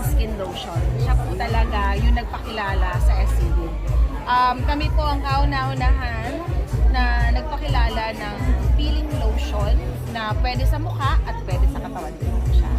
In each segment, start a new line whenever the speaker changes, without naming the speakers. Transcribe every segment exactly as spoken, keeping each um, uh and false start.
skin lotion. Siya po talaga yung nagpakilala sa S C D. Um, kami po ang kauna-unahan na nagpakilala ng peeling lotion na pwede sa mukha at pwede sa katawan din po siya.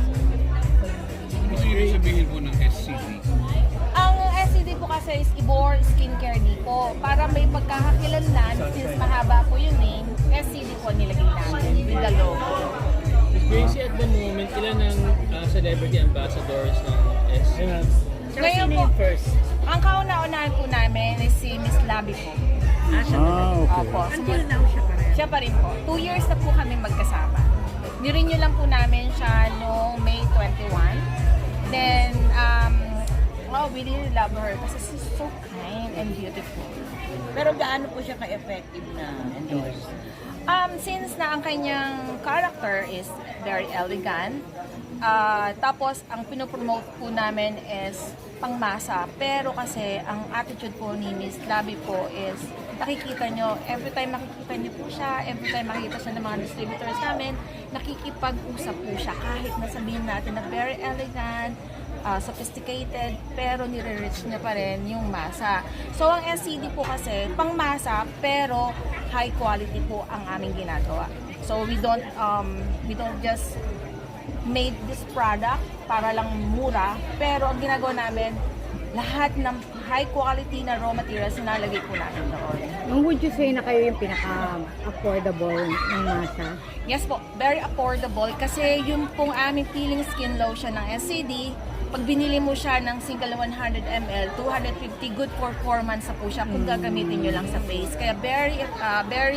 Ano po yung sabihin po ng S C D?
Ang S C D po kasi is Ibor Skincare Depot. Para may pagkakakilanlan, since mahaba po yung name, S C D po nilagay namin with the logo.
Miss Gracie, at the moment, ilan ang uh, celebrity ambassadors ng S C D?
Ngayon po,
first?
ang kauna-unahan po namin is si Miss Labi po.
Ah, siya
Ah, okay.
Opo.
Until now siya pa rin.
Siya pa rin po. Two years na po kami magkasama. Nirenew lang po namin siya noong May twenty-one. Then, um, wow, we really love her kasi she's so kind and beautiful.
Pero gaano po siya ka-effective na endorse?
Um, since na ang kanyang character is very elegant, uh, tapos ang pinopromote po namin is pangmasa. Pero kasi ang attitude po ni Miss Labi po is nakikita nyo, every time makikita nyo po siya, every time makikita siya ng mga distributors namin, nakikipag-usap po siya kahit nasabihin natin na very elegant, uh, sophisticated, pero nire-reach niya pa rin yung masa. So ang S C D po kasi pangmasa pero high quality po ang aming ginagawa. So we don't um we don't just made this product para lang mura, pero ang ginagawa namin lahat ng high quality na raw materials na nalagay po namin doon.
Ang would you say na kayo yung pinaka-affordable ng masa?
Yes po, very affordable kasi yung pong aming peeling skin lotion ng S C D, pag binili mo siya ng single one hundred milliliters, two hundred fifty, good for four months na po siya kung gagamitin nyo lang sa face. Kaya very, uh, very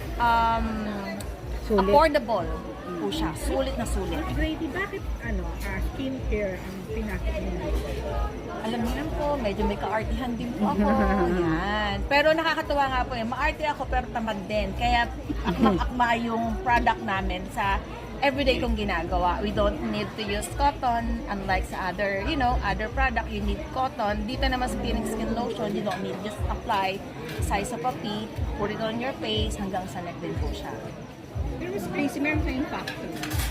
um,
Sulit.
affordable po siya. Sulit na sulit.
Grady, bakit ano, uh, skincare ang pinasok niyo?
Alam niyo lang po, medyo may kaartihan din po ako. Yan. Pero nakakatuwa nga po eh. Maarte ako pero tamad din. Kaya akma-akma yung product namin sa everyday kong ginagawa. We don't need to use cotton unlike sa other, you know, other product. You need cotton. Dito naman sa peeling skin lotion, you don't need just apply size of a pea, put it on your face, hanggang sa neck din po siya.
Pero Miss Gracie, meron kayong factory.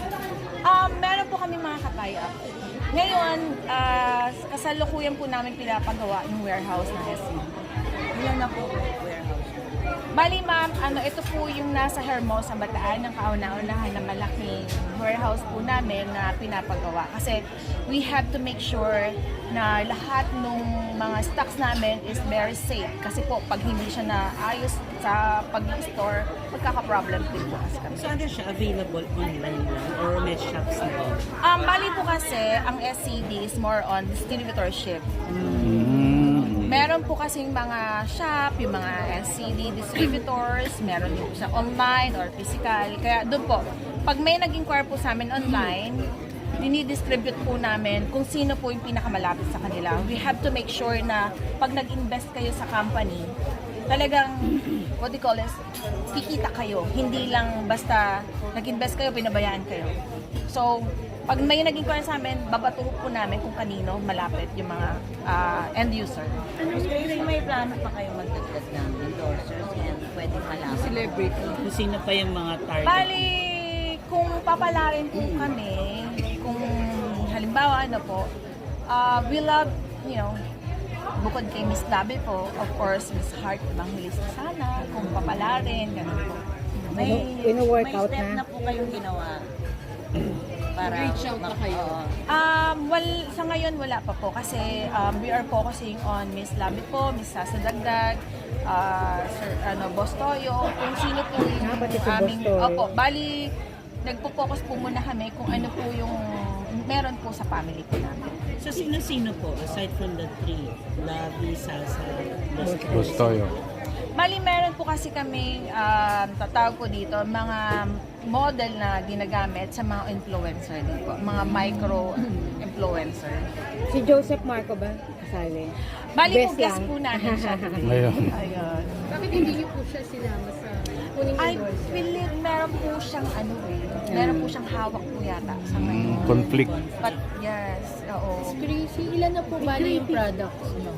Um, meron po kami mga katay-up. Ngayon, uh, kasalukuyan po namin pinapagawa yung warehouse ng S C D.
Ilan na po warehouse?
Bali ma'am, ano, ito po yung nasa Hermosa, Bataan, ng kauna-unahan na malaking warehouse po namin na pinapagawa. Kasi we have to make sure na lahat ng mga stocks namin is very safe. Kasi po, pag hindi siya na ayos sa pag-store, magkaka-problem din po kasi kami.
Saan siya available online lang or may shops na rin?
Um, bali po kasi, ang S C D is more on distributorship. Meron po kasing mga shop, yung mga S C D distributors, meron din po siya online or physical. Kaya doon po, pag may nag-inquire po sa amin online, dinidistribute po namin kung sino po yung pinakamalapit sa kanila. We have to make sure na pag nag-invest kayo sa company, talagang, what do you call this, kikita kayo. Hindi lang basta nag-invest kayo, pinabayaan kayo. So, pag may nag-inquire sa amin, babato po namin kung kanino malapit yung mga uh, end user.
Miss Gracie, may plano pa kayo magdagdag ng endorsers and pwede malaman? Celebrity. Kung sino pa yung mga target?
Bali, kung papalarin po kami, kung halimbawa ano po, uh, we love, you know, bukod kay Miss Labi po, of course, Miss Heart Evangelista sana, kung papalarin, ganun po.
May,
Wino-workout
may step
na?
na po kayong ginawa para
Reach out na kayo.
Oo.
Um, well, sa ngayon wala pa po kasi um, we are focusing on Miss Labi po, Miss Sasa Dagdag, uh, Sir ano, Boss Toyo, kung sino po yung
Ah, pati si Boss
aming...
Toyo.
Opo, bali, nagpo-focus po muna kami kung ano po yung meron po sa family po namin.
So, sino-sino po, aside from the three? Labi, Sasa,
Gustoyo.
Bali, meron po kasi kami, um, tatawag ko dito, mga model na ginagamit sa mga influencer din po, mga micro-influencer.
Si Joseph Marco ba? Kasali.
Bali po,
Best
guest
lang.
po namin siya.
Ayun.
Ayun.
Bakit hindi niyo po siya sinama sa...
po ninyo
I
endorser?
believe meron po siyang ano eh. Meron po siyang hawak po yata sa ngayon.
Conflict.
But yes, oo.
Gracie, ilan na po bali yung products nyo?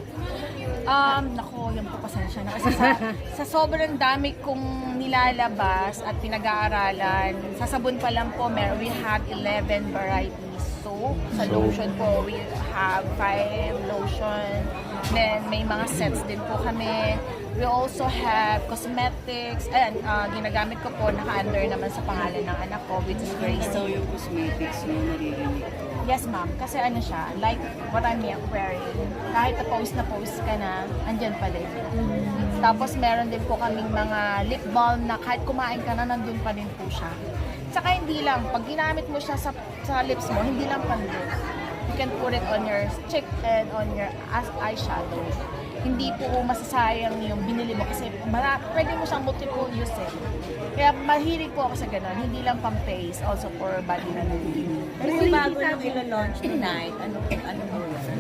Um, nako, yung po pasensya na. Kasi sa, sa sobrang dami kong nilalabas at pinag-aaralan, sa sabon pa lang po, meron, we have eleven varieties. So, sa
So-
lotion po, we have five lotion. Then, may mga sets din po kami. We also have cosmetics. Ayan, ah, ginagamit ko po, naka-under naman sa pangalan ng anak ko, which is Gracie.
So yung cosmetics mo, naririnig ko.
Yes, ma'am. Kasi ano siya, like what I'm wearing. Kahit na post na post ka na, andyan pa din. Tapos meron din po kaming mga lip balm na kahit kumain ka na, nandun pa din po siya. Saka hindi lang, pag ginamit mo siya sa, sa lips mo, hindi lang pang lips. You can put it on your cheek and on your as eyeshadow. Hindi po masasayang yung binili mo kasi mara, pwede mo siyang multiple use eh. Kaya mahilig po ako sa ganun. Hindi lang pang face, also for body na
Pero yung bago yung ilo-launch tonight, ano ano mo yun?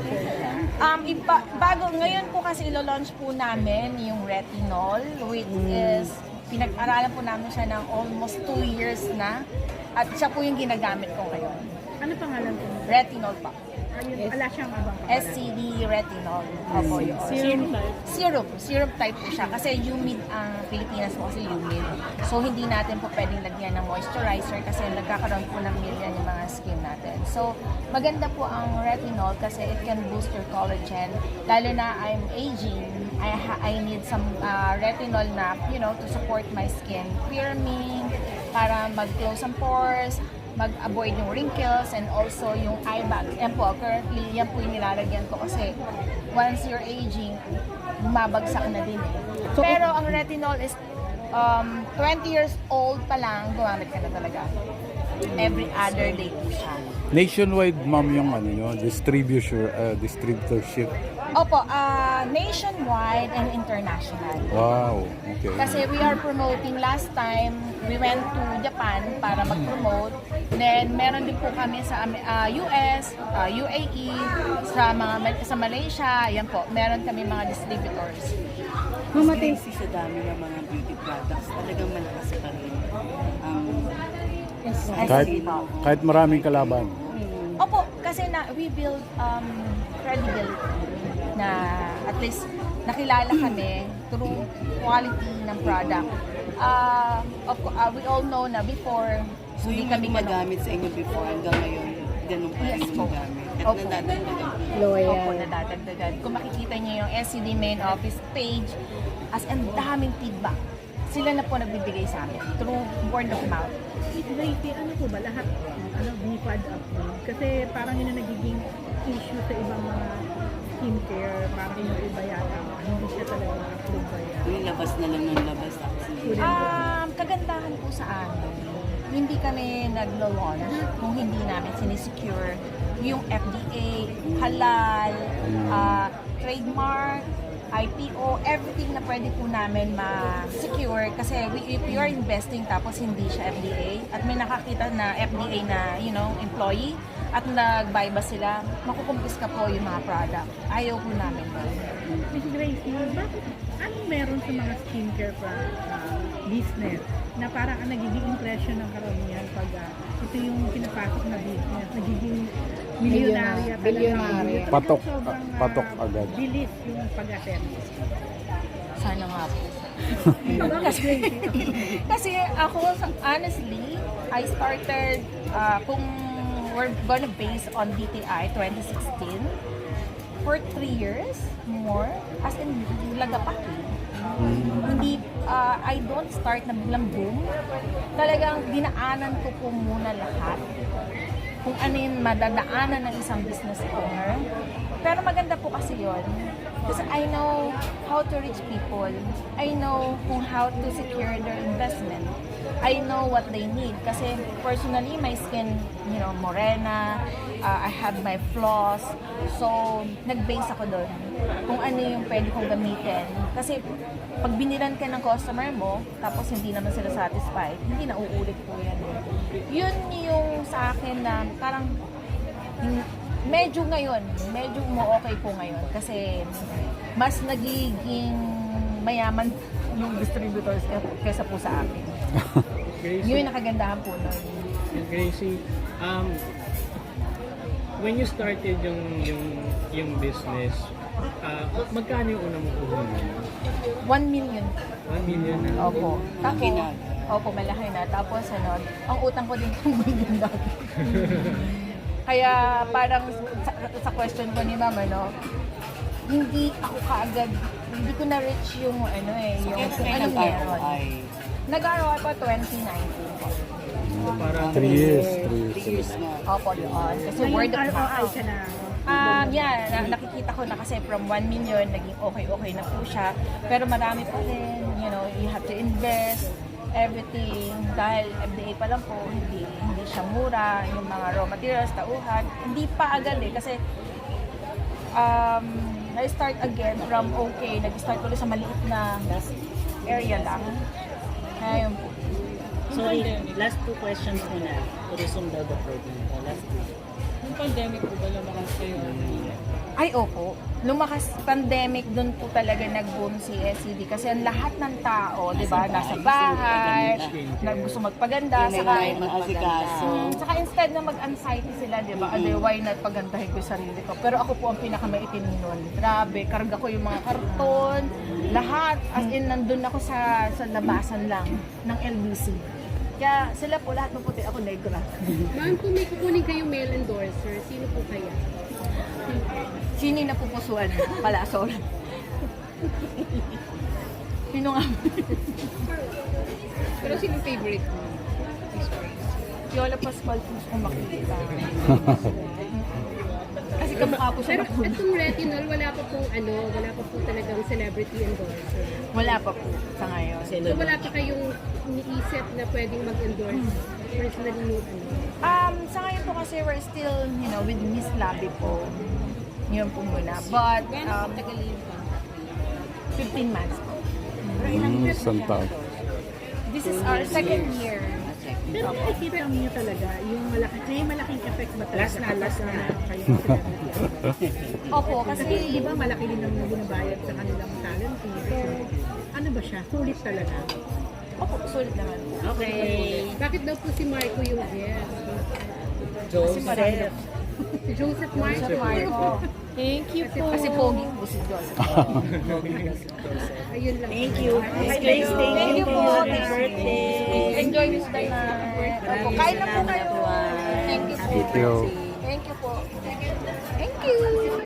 Um, iba, bago, ngayon po kasi ilo-launch po namin yung retinol, which is, pinag-aralan po namin siya ng almost two years na. At siya po yung ginagamit ko ngayon.
Ano pangalan ko?
Retinol pa.
Ayun, wala siyang abang
S C D retinol. Opo yun.
Serum type.
Syrup. Syrup type po siya. Kasi humid ang Pilipinas po kasi humid. So, hindi natin po pwedeng lagyan ng moisturizer kasi nagkakaroon po ng milyan yung mga skin natin. So, maganda po ang retinol kasi it can boost your collagen. Lalo na I'm aging, I, ha- I need some uh, retinol na, you know, to support my skin. Firming, para mag-close ang pores, mag-avoid yung wrinkles and also yung eye bags. Yan po, currently, yan po yung nilalagyan ko kasi once you're aging, bumabagsak na din eh. Pero ang retinol is um, twenty years old pa lang, gumamit ka na talaga. Every other day po siya.
Nationwide, ma'am, yung ano nyo, distributor, uh, distributorship.
Opo, ah, nationwide and international.
Wow, okay.
Kasi we are promoting last time, we went to Japan para mag-promote. Then meron din po kami sa uh, U S, uh, U A E, sa mga sa Malaysia, yan po. Meron kami mga distributors.
Mamatay si sa dami ng mga beauty products, talagang malakas pa rin. Um,
Kahit, kahit maraming kalaban.
Opo, kasi na we build um, credibility na at least nakilala kami through quality ng product. Uh, of, co- uh, we all know na before,
so
hindi
yung
kami ganun.
gumagamit sa inyo before hanggang ngayon, ganun pa rin
Yes
yung
po.
gamit. At
Opo.
nadadagdagan.
Opo,
Loyal.
nadadagdagan. Kung makikita niyo yung S C D main office page, as ang daming feedback. Sila na po nagbibigay sa amin through word of mouth.
Gracie, ano po ba? Lahat ano, bifad up mo? Kasi parang yun ang nagiging issue sa ibang mga skincare. Parang yung iba yata, hindi siya talaga ma-approve ba yan?
Yung labas na lang ng labas tapos hindi.
Um, kagandahan po sa amin, hindi kami naglo-launch kung hindi namin sinisecure yung F D A, halal, uh, trademark, I P O, everything na pwede po namin ma-secure kasi we, if you are investing tapos hindi siya F D A at may nakakita na F D A na, you know, employee at nag-bypass sila, makukumpis ka po yung mga product. Ayaw po namin doon.
Miss Gracie, bakit anong meron sa mga skincare product uh, business na parang ang nagiging impression ng karamihan pag uh, ito yung pinapasok na business, nagiging milyonarya talaga.
Bilyonarya.
Talagang
Patok,
sobrang, uh,
patok agad.
bilis yung pag-attend.
Sana nga po. kasi, kasi ako, honestly, I started, uh, kung we're gonna base on D T I twenty sixteen, for three years more, as in, lagapak eh. Hindi, uh, I don't start na biglang boom. Talagang dinaanan ko po muna lahat. Kung ano yung madadaanan ng isang business owner. Pero maganda po kasi yon. Kasi I know how to reach people. I know kung how to secure their investment. I know what they need. Kasi personally, my skin, you know, morena, uh, I have my flaws. So, nag-base ako doon. Kung ano yung pwede kong gamitin. Kasi, pag binilan ka ng customer mo, tapos hindi naman sila satisfied, hindi na uulit po yan. Yun yung sa akin na parang hin- medyo ngayon, medyo mo okay po ngayon kasi mas nagiging mayaman yung distributors kay- kaysa po sa akin.
Gracie,
Yun yung nakagandahan po nun.
Gracie, um, when you started yung yung yung business, ah, magkano yung una mong puhunan?
One million.
One million na.
Opo. Tapos, opo, malaki na. Tapos, ano, ang utang ko din two million dati. Kaya, parang sa, sa question ko ni Ma'am, ano, hindi ako kaagad, hindi ko na-reach yung, ano eh, yung, anong meron. Nag-R O I pa twenty nineteen po.
Parang
Three years. Three years.
Opo, doon. Kasi
Ngayon,
word of
R O I
mouth.
ka na.
Um, yeah, na, nakikita ko na kasi from one million, naging okay-okay na po siya. Pero marami pa rin, you know, you have to invest, everything. Dahil F D A pa lang po, hindi, hindi siya mura. Yung mga raw materials, tauhan, hindi pa agad eh. Kasi, um, na-start again from okay, nag-start ulit sa maliit na area lang. Kaya yun po.
Sorry, last two questions muna. To resume daw the program. Uh, last two.
yung pandemic po ba lumakas kayo?
Ay, opo. Lumakas pandemic, doon po talaga nag-boom si S C D kasi ang lahat ng tao, di ba, nasa bahay, na gusto magpaganda, saka, Mm, saka instead na mag-anxiety sila, di ba, other why not pagandahin ko yung sarili ko. Pero ako po ang pinakamaitim nun. Grabe, karga ko yung mga karton, lahat, as in, nandun ako sa, sa labasan lang ng L B C. Kaya sila po, lahat maputi, ako negra.
Ma'am, kung may kukunin kayong male endorser, sino po kaya?
Sino yung napupusuan? Palasol. Sino nga?
Pero sino favorite mo?
Yola Pascual po kung makikita. Kasi kamukha po siya.
Pero itong retinol, wala pa pong ano, wala pa po talagang celebrity endorser.
Wala pa po sa ngayon.
So wala pa kayong iniisip na pwedeng mag-endorse personally yung ano.
Um, sa ngayon po kasi we're still, you know, with Miss Labi po. Yun po muna. But, um, fifteen months po.
Mm, isang taon.
This is our second year.
Pero nakikita niyo talaga yung malaki, may malaking effect ba talaga? Last na, last na. Kayo
Opo, kasi
Di ba malaki din ang binabayad sa kanilang talent fee? So, ano ba siya? Sulit talaga.
Opo, sulit naman po.
Okay.
Bakit daw po si Marco yung guest?
Kasi marami na po.
Si Joseph Marco.
Joseph Marco.
Thank you po.
Kasi pogi po si Joseph.
Ayun lang.
Thank you. Miss Grace, thank,
Thank you
you
po.
Happy birthday.
Enjoy this day na. Opo, kain na po kayo. Thank you po.
Thank you.
Thank you po. Thank you.